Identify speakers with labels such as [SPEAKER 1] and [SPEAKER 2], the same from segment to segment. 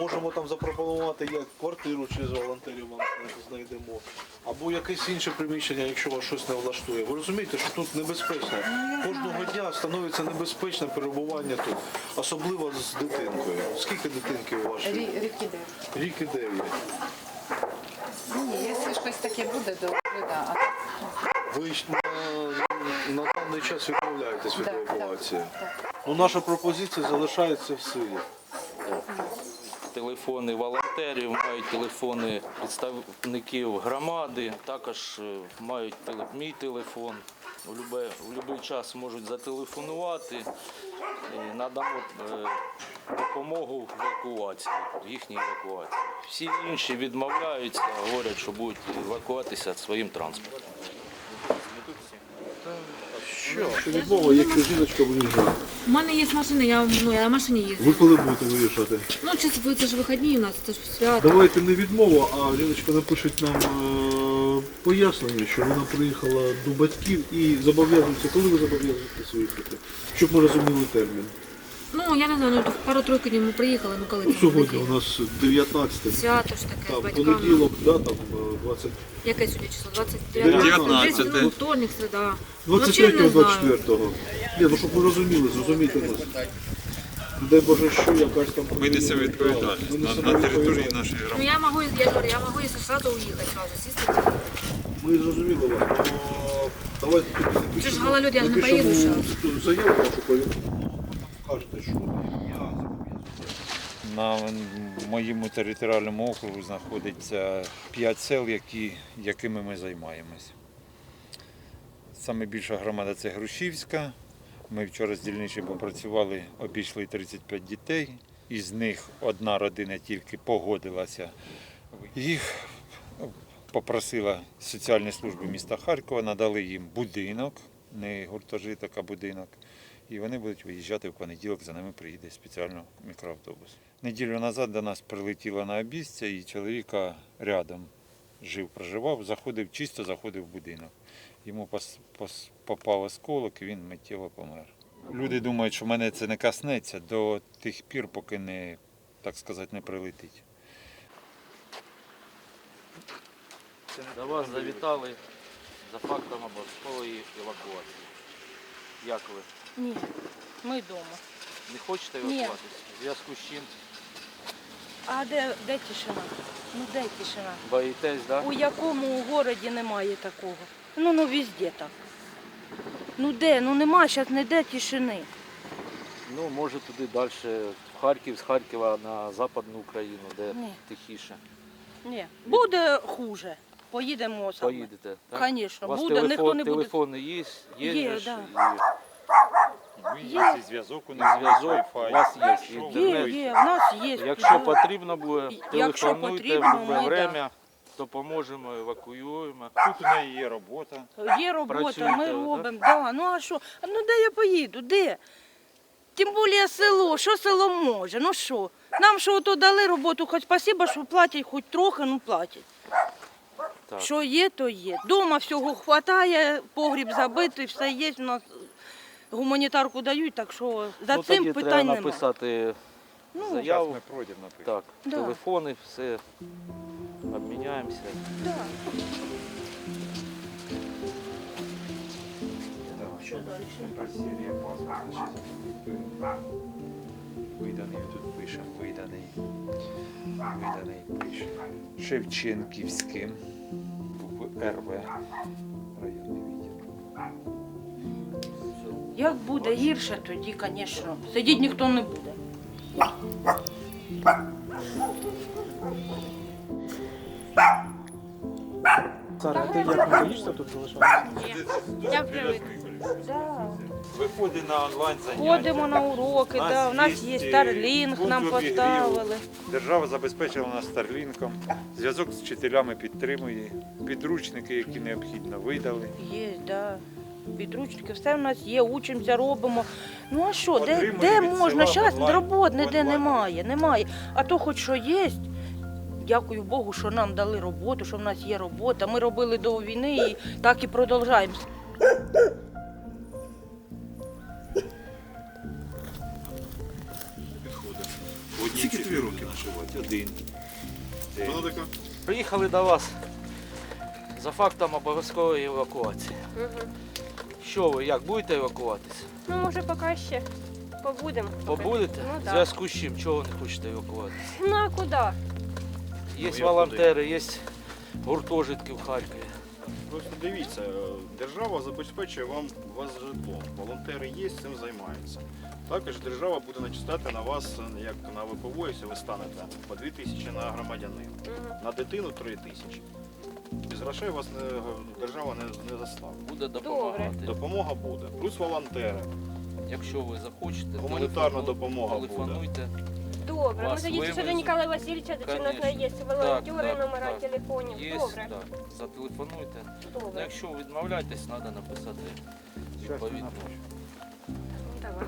[SPEAKER 1] можемо там запропонувати як квартиру через волонтерів вам знайдемо, або якесь інше приміщення, якщо вас щось не влаштує. Ви розумієте, що тут небезпечно. Кожного дня становиться небезпечне перебування тут, особливо з дитинкою. Скільки дитинки у вашій?
[SPEAKER 2] Рік іде.
[SPEAKER 1] Рік і 9.
[SPEAKER 2] Ні, якщо щось таке буде, то да.
[SPEAKER 1] Ви ж на даний час відмовляєтесь від
[SPEAKER 2] Да,
[SPEAKER 1] евакуації.
[SPEAKER 2] так.
[SPEAKER 1] Ну, наша пропозиція залишається в силі.
[SPEAKER 3] Телефони волонтерів, мають телефони представників громади, також мають мій телефон. У будь-який час можуть зателефонувати і надамо допомогу в евакуації, в їхній евакуації. Всі інші відмовляються, говорять, що будуть евакуатися своїм транспортом.
[SPEAKER 1] Що відмова, якщо жіночка виїжджає?
[SPEAKER 4] У мене є машина, я на машині їздю.
[SPEAKER 1] Ви коли будете виїжджати?
[SPEAKER 4] Ну, це ж вихідні у нас, це ж свято.
[SPEAKER 1] Давайте не відмова, а жіночка напише нам пояснення, що вона приїхала до батьків і зобов'язується. Коли ви зобов'язуєтесь виїхати? Щоб ми розуміли термін.
[SPEAKER 4] Ну, я не знаю, ну пару-тройку днів ми приїхали, ну коли
[SPEAKER 1] Ну,
[SPEAKER 4] це
[SPEAKER 1] сьогодні
[SPEAKER 4] таке?
[SPEAKER 1] у нас 19,
[SPEAKER 4] Свято ж таке,
[SPEAKER 1] там,
[SPEAKER 4] з батьками.
[SPEAKER 1] понеділок, да, там 20.
[SPEAKER 4] Яке сьогодні число? 29?
[SPEAKER 1] 19.
[SPEAKER 4] Ну, вторник, середа.
[SPEAKER 1] 23-24. Ні, ну щоб ви розуміли, зрозумійте нас. Дай Боже, що якась там...
[SPEAKER 5] Ми несемо відповідальність на території нашої
[SPEAKER 4] Ну,
[SPEAKER 5] громади.
[SPEAKER 4] я можу, якщо сразу уїхати, сразу сісти.
[SPEAKER 1] Ми зрозуміли вас, но давайте...
[SPEAKER 4] Це ж гололед, я ж не поїду зараз.
[SPEAKER 1] Заяву вашу повідомлю. Кажете, що я...
[SPEAKER 5] На моєму територіальному округу знаходиться 5 сел, якими ми займаємось. Саме більша громада – це Грушівська. Ми вчора з дільничим попрацювали, обійшли 35 дітей. Із них одна родина тільки погодилася. Їх попросила соціальні служби міста Харкова, надали їм будинок, не гуртожиток, а будинок. І вони будуть виїжджати в понеділок, за ними приїде спеціально мікроавтобус. Неділю назад до нас прилетіло на обістя, і чоловіка рядом проживав, чисто заходив в будинок. Йому попав осколок, і він миттєво помер. Люди думають, що мене це не коснеться до тих пір, поки не, так сказати, не прилетить.
[SPEAKER 3] До вас завітали за фактом обов'язкової евакуації. Як ви?
[SPEAKER 6] Ні, ми вдома.
[SPEAKER 3] Не хочете
[SPEAKER 6] Ні.
[SPEAKER 3] евакуатися? В зв'язку з чим?
[SPEAKER 6] А де тишина? Ну де тишина?
[SPEAKER 3] Боїтесь, так?
[SPEAKER 6] У якому городі немає такого? Ну везде так. Ну де? Ну нема зараз ніде тишини.
[SPEAKER 3] Ну, може туди далі, в Харків, з Харкова на Западну Україну, де
[SPEAKER 6] Ні.
[SPEAKER 3] тихіше.
[SPEAKER 6] Ні. Буде хуже. Поїдемо саме.
[SPEAKER 3] Поїдете, так?
[SPEAKER 6] Звісно,
[SPEAKER 3] У вас
[SPEAKER 6] буде, ніхто не буде.
[SPEAKER 3] телефони є?
[SPEAKER 6] Є,
[SPEAKER 3] же ж,
[SPEAKER 6] да.
[SPEAKER 5] Є зв'язок, у нас
[SPEAKER 3] зв'язок, у вас є
[SPEAKER 6] Є,
[SPEAKER 3] інтернет.
[SPEAKER 6] є, в нас є.
[SPEAKER 3] Якщо
[SPEAKER 6] да.
[SPEAKER 3] потрібно буде,
[SPEAKER 6] Якщо
[SPEAKER 3] телефонуйте
[SPEAKER 6] потрібно,
[SPEAKER 3] в будь-яке
[SPEAKER 6] ми,
[SPEAKER 3] время, допоможемо, евакуюємо.
[SPEAKER 5] Тут у неї є робота.
[SPEAKER 6] Є робота,
[SPEAKER 3] Працюєте,
[SPEAKER 6] ми
[SPEAKER 3] да?
[SPEAKER 6] робимо. Да. Ну а що? Ну де я поїду? Де? Тим більше село, що село може? Ну що? Нам що ото дали роботу, хоч спасибо, що платять хоч трохи, ну платять.
[SPEAKER 3] Так.
[SPEAKER 6] Що є, то є. Дома всього вистачає, погріб забитий, все є. У нас гуманітарку дають, так що за
[SPEAKER 3] Ну,
[SPEAKER 6] цим
[SPEAKER 3] тоді
[SPEAKER 6] питань
[SPEAKER 3] треба
[SPEAKER 6] немає.
[SPEAKER 3] написати
[SPEAKER 6] Ну,
[SPEAKER 5] Зараз
[SPEAKER 3] заяву.
[SPEAKER 5] ми пройдемо напишемо.
[SPEAKER 3] Так,
[SPEAKER 6] Да.
[SPEAKER 3] телефони, все, обміняємося.
[SPEAKER 6] Да.
[SPEAKER 5] Виданий тут пише, виданий пише. Шевченківським, РВ, районний відділ.
[SPEAKER 6] Як буде гірше, тоді, звісно, сидіти ніхто не буде.
[SPEAKER 7] Сара, ти як не боїшся тут залишатися?
[SPEAKER 6] Я привик.
[SPEAKER 5] Виходить на онлайн заняття.
[SPEAKER 6] Ходимо на уроки, да. У нас є Starlink, нам поставили.
[SPEAKER 5] Держава забезпечила нас Старлінком. Зв'язок з вчителями підтримує. Підручники, які необхідно, видали.
[SPEAKER 6] Є, да. Підручники, все в нас є, учимося, робимо. Ну а що, де
[SPEAKER 5] Отримуємо від
[SPEAKER 6] можна?
[SPEAKER 5] села
[SPEAKER 6] Зараз робот ніде
[SPEAKER 5] онлайн.
[SPEAKER 6] немає. А то хоч що є. Дякую Богу, що нам дали роботу, що в нас є робота. Ми робили до війни і так і продовжуємо.
[SPEAKER 5] Скільки тобі Скільки років вживати? Один.
[SPEAKER 3] Приїхали до вас за фактом обов'язкової евакуації. Що ви, як будете евакуватися?
[SPEAKER 8] Ну, може, поки ще побудемо.
[SPEAKER 3] Побудете?
[SPEAKER 8] Ну,
[SPEAKER 3] В
[SPEAKER 8] так.
[SPEAKER 3] зв'язку з чим? Чого не хочете евакуватися?
[SPEAKER 8] Ну, а куди?
[SPEAKER 3] Є волонтери, є гуртожитки в Харкові.
[SPEAKER 9] Просто дивіться, держава забезпечує вас житлом. Волонтери є, цим займаються. Також держава буде начисляти на вас, як на ВПО, якщо ви станете, по 2 тисячі на громадянина. На дитину 3 тисячі. Без грошей вас держава не заставить.
[SPEAKER 3] Буде допомагати.
[SPEAKER 9] Допомога буде. Плюс волонтери.
[SPEAKER 3] Якщо ви захочете,
[SPEAKER 9] Гуманітарна допомога буде.
[SPEAKER 3] телефонуйте.
[SPEAKER 8] Добре, ми
[SPEAKER 3] Вас
[SPEAKER 8] тоді ще до
[SPEAKER 3] вивезуть.
[SPEAKER 8] Ніколая Васильовича, чи у нас
[SPEAKER 3] Конечно.
[SPEAKER 8] є волонтери,
[SPEAKER 3] Так,
[SPEAKER 8] номера
[SPEAKER 3] так.
[SPEAKER 8] телефонів.
[SPEAKER 3] Є,
[SPEAKER 8] Добре,
[SPEAKER 3] так. Зателефонуйте. Ну,
[SPEAKER 8] добре.
[SPEAKER 3] якщо відмовляєтесь, треба написати відповідно.
[SPEAKER 8] Давай.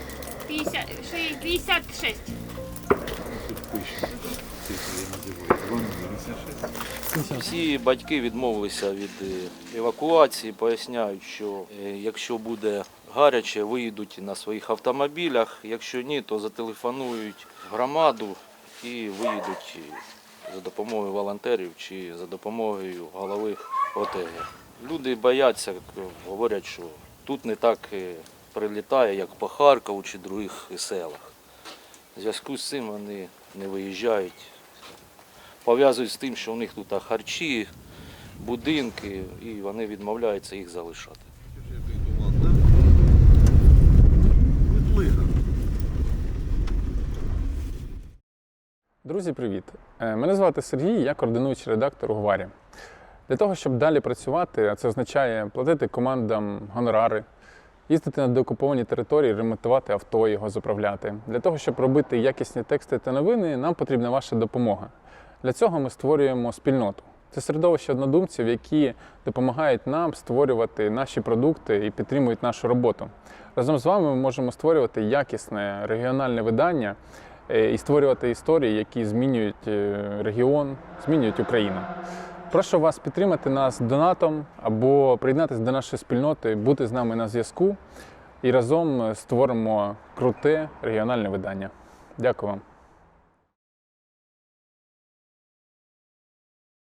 [SPEAKER 4] 56.
[SPEAKER 5] Тут пише. Цифри називають. 2,56.
[SPEAKER 3] Всі батьки відмовилися від евакуації, поясняють, що якщо буде гаряче, виїдуть на своїх автомобілях, якщо ні, то зателефонують в громаду і виїдуть за допомогою волонтерів чи за допомогою голови ОТГ. Люди бояться, говорять, що тут не так прилітає, як по Харкову чи других селах. В зв'язку з цим вони не виїжджають. Пов'язують з тим, що у них тут харчі, будинки, і вони відмовляються їх залишати.
[SPEAKER 10] Друзі, привіт! Мене звати Сергій, я координуючий редактор у Гварі. Для того, щоб далі працювати, а це означає платити командам гонорари, їздити на деокуповані території, ремонтувати авто, його заправляти. Для того, щоб робити якісні тексти та новини, нам потрібна ваша допомога. Для цього ми створюємо спільноту. Це середовище однодумців, які допомагають нам створювати наші продукти і підтримують нашу роботу. Разом з вами ми можемо створювати якісне регіональне видання і створювати історії, які змінюють регіон, змінюють Україну. Прошу вас підтримати нас донатом або приєднатися до нашої спільноти, бути з нами на зв'язку і разом створимо круте регіональне видання. Дякую вам.